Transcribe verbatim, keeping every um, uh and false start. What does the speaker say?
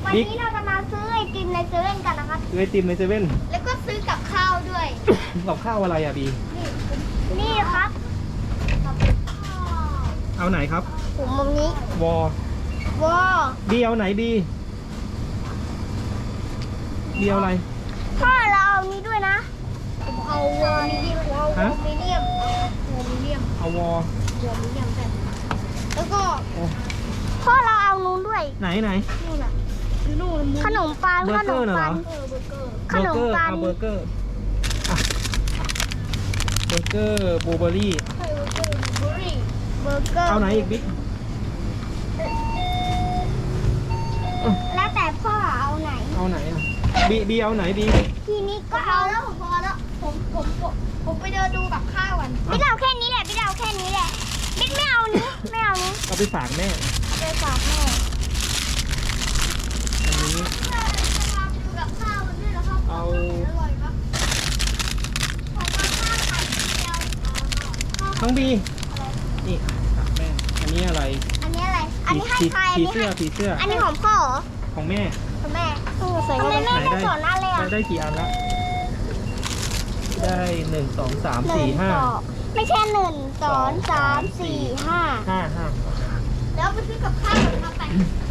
วันนี้เราจะมาซื้อไอติมในเซเว่นกันนะครับซื้อไอติมในเซเว่นแล้วก็ซื้อกับข้าวด้วยกับข้าวอะไรอ่ะบีนี่นี่ครับเอาไหนครับผมมุมนี้วอวอบีเอาไหนบีบีเอาอะไรพ่อเราเอานี้ด้วยนะผมเอาวอมีเดียมวอฮะมีเดียมวอมีเดียมเอาวอวอมีเดียมแบบแล้วก็โอ้พ่อเราเอานู้นด้วยไหนไหนนู่นน่ะนู่นขนมปังเบอขร์เกนอร์มน่ะเหรปัองเออเบอร์เกอร์ขเบอน ร์มเกอร์ปังเอาเบอร์เกอร์อ่ะเบอร์เกอร์บลูเบอร์รี่เบอร์เกอร์เบอร์รี่เบอร์เกอร์เอาไหนอีกบิ๊กแล้วแต่พ่อเอาไหนเอาไหนอ่ะบีบีเอาไหนบีทีนี้ก็เอาแล้วผมพอแล้วผมผมผมผมไปเดินดูกับข้าวกันพี่เอาแค่นี้แหละพี่เอาแค่นี้แหละบิ๊กไม่เอานี้ไม่เอานี้เอาไปฝากแม่ไปฝากแม่อันนี้ดูกับข้าวมันด้วยแล้วครับเอาอร่อยปะผมเอาข้าวไข่เจียวน้องบีนี่ฝากแม่อันนี้อะไรอันนี้อะไรอันนี้ให้ผีใครอันผีนี้เสื้อให้ผีเสื้ออันนี้ของพ่อเหรอของแม่ของแม่ทำไมแม่ไม่สอนอะไรอ่ะได้ได้กี่อันละได้หนึ่งสองสามหนึ่สี่งห้าสองไม่ใช่หนึ่งสองสามสี่ห้าห้าห้าแล้วไปซื้อกับข้าวกันมาไป